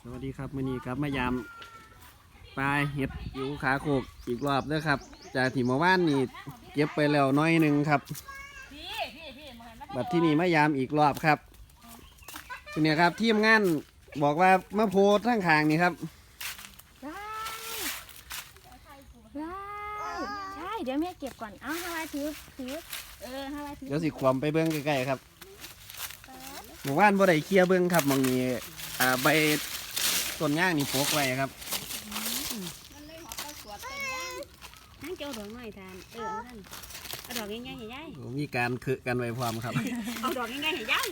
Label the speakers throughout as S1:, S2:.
S1: สวัสดีครับมื้อนี้ครับมายามปลาเห็ดอยู่ขาโขกอีกรอบเด้อครับจากที่เมื่อวานนี่เก็บไปแล้วน้อยหนึ่งครับบัดที่นี่มายามอีกรอบครับเนี่ยครับทีมงานบอกว่ามาโพสทั้งขางนี่ครับ
S2: ใช่เดี๋ยวแม่เก็บก่อนเอาฮาวายถือฮาวายถือ
S1: เดี๋ยวสิความไปเบิ้งใกล้ๆครับเมื่อวานบ่ได้เคลียร์เบิ้งครับมองนี้ใบต้นย่างนี่โปกไว้ครับ
S2: นั่งเจ้าดอกหน่อยทานเอาดอกง่ายๆให้ยาย
S1: มีการคือกันไว้พร้อมครับ
S2: เอาดอกง่ายๆให้ยาย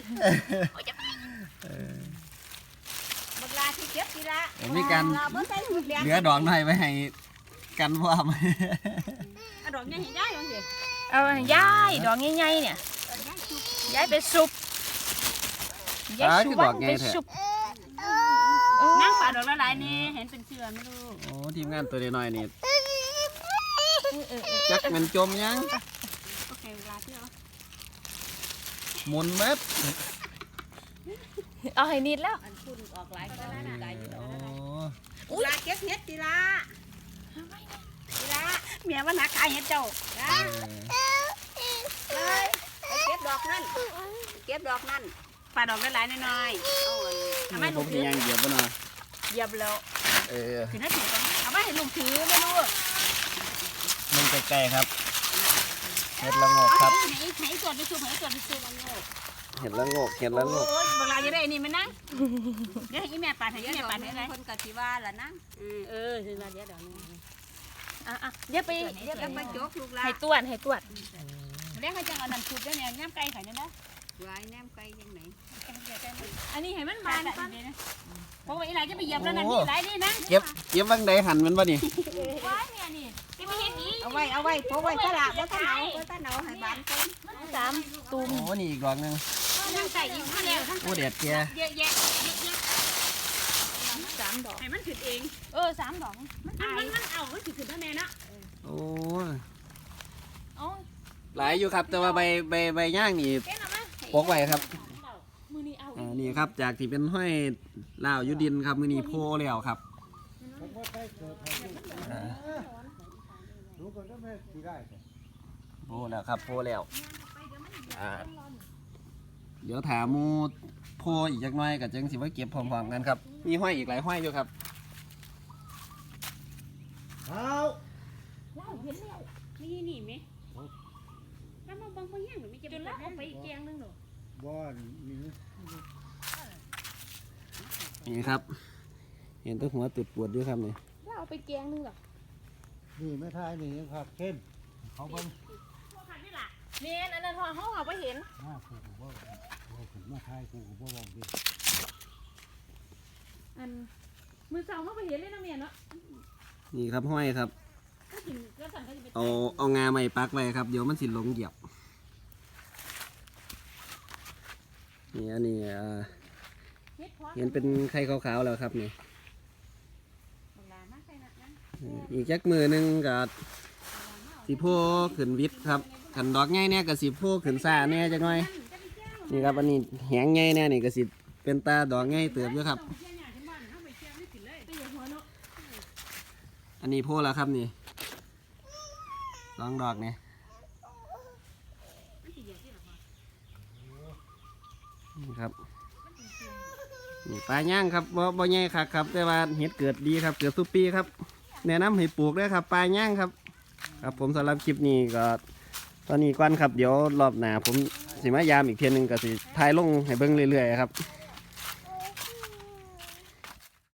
S2: บักลาที่เก็บทีละ
S1: มีการเหลือดอกหน่อยไว้ให้กันพร้อม
S2: เอาดอกง่ายให้ยายเอาสิเอาให้ยายดอกง่ายๆเนี่ยยายไปซุป
S1: ยายชวนไปซุป
S2: นั่งป่าดอกละลายนี่เห็นเป็นเชื่อไม่รู้
S1: โอ้ทีมงานตัวน้อยนี่จักมันจมยัง
S2: โอเคเวลาที่เอา
S1: หมุนเม็ด
S2: เอาให้นิดแล้วอันคุณออกหลายก็ได้นะลาเก็บเห็ดทีละเมียว่านักขายเห็ดเจ้าเลยเก็บดอกนั่นป่าดอกละลายน้อยๆทำไมลูกถือ
S1: ยังเหยียบบ่เนาะ
S2: เหยียบแล้วคือน่าถือกันเอาไว้ให้ลุงถือไม่รู้
S1: มันใกล้ๆครับเห็ดละงกครับ
S2: ให้จอดไปซูให้จอดไปซูละงก
S1: เห็ดละงก
S2: โอ้ยเวลาจะได้นี่มันนั่งเดี๋ยวให้แม่ปาดให้แม่ปาดให้ไรคนกะทิว่าล่ะนั่งคือมาเดี๋ยวนี้เดี๋ยวไปโจกลูกละให้ตรวจเดี๋ยวเขาจะเอาน้ำชุบได้เนี่ยน้ำไก่ไข่เนี่ยนะไว้น้ำไก่ยังไงอันนี้ให้มันบานก่อนเพราะว่าอีหลายจะไปเหยียบแล้วนั่นนี่หลายนี่นะ
S1: เก็บบังใดหันมันวะนี่
S2: ไว้เนี่ยนี่จะไม่เห็นนี้เอาไว้เพราะไว้ตลาดเพราะตาเหนาให้บานก่อน3 ตุ่ม
S1: โอ้นี่อีกดอกนึง
S2: นั่งไก่อีกข้างแล้ว
S1: โอ้เด็ดแก่
S2: เยอะ3 ดอกให้มันขึ้นเอง3 ดอกมันเอามันขึ้นได้แม่นะ
S1: โอ้หลายอยู่ครับแต่ว่าใบย่างนี่ปกไว้ครับนี่ครับจากที่เป็นห้อยลาวยุดินครับมือนี้โพแล้วครับโพแล้วครับโพแล้วเดี๋ยวถามมูโพอีกจักหน่อยกับจังสิว่าเก็บพร้อมๆกันครับมีห้อยอีกหลายห้อยอยู่ครับ
S2: นี่ไหมแล้วมาบังแห้งหรือไม่จะเป็นเอาไปอีกแกงนึงหรอ
S3: บ่
S1: นี่ครับเห็นตัวหัวตุดปวดด้วยครับนี่
S2: แล้วเอาไปแกงนึงหรอ
S3: นี่ไม่ทายนี่ยังผักเข้มเขาเบิ่ง
S2: เนี่ยอันนั้นเขาเอาไปเห็น
S3: มาผูกบ่ผูกมาทายผูกบ่บอกดิ
S2: อันมือเสาเขาไปเห็นเลยนะเมียเนาะ
S1: นี่ครับห้อยครับเอางาใหม่ปักไว้ครับเดี๋ยวมันสิลงเหยียบนี่อันนี้เห็นเป็นไข่ขาวๆแล้วครับนี่อีกจักมือนึงกับสีโพขึ้นวิทย์ครับขันดอกง่ายเนี่ยกับสีโพขึ้นซ่าเนี่ยจังหน่อยนี่ครับอันนี้แหงง่ายเนี่ยนี่กับสีเป็นตาดอกง่ายเติบด้วยครับอันนี้โพแล้วครับนี่2 ดอกเนี่ยนี่ครับนี่ปลาย่างครับบ่ใหญ่ครับแต่ว่าเห็ดเกิดดีครับเกิดทุกปีครับแนะนำให้ปลูกด้วยครับปลาย่างครับครับผมสำหรับคลิปนี้ก็ตอนนี้ก่อนครับเดี๋ยวรอบหน้าผมสิมายามอีกเทียนึงก็สิถ่ายลงให้เบิ่งเรื่อยๆครับ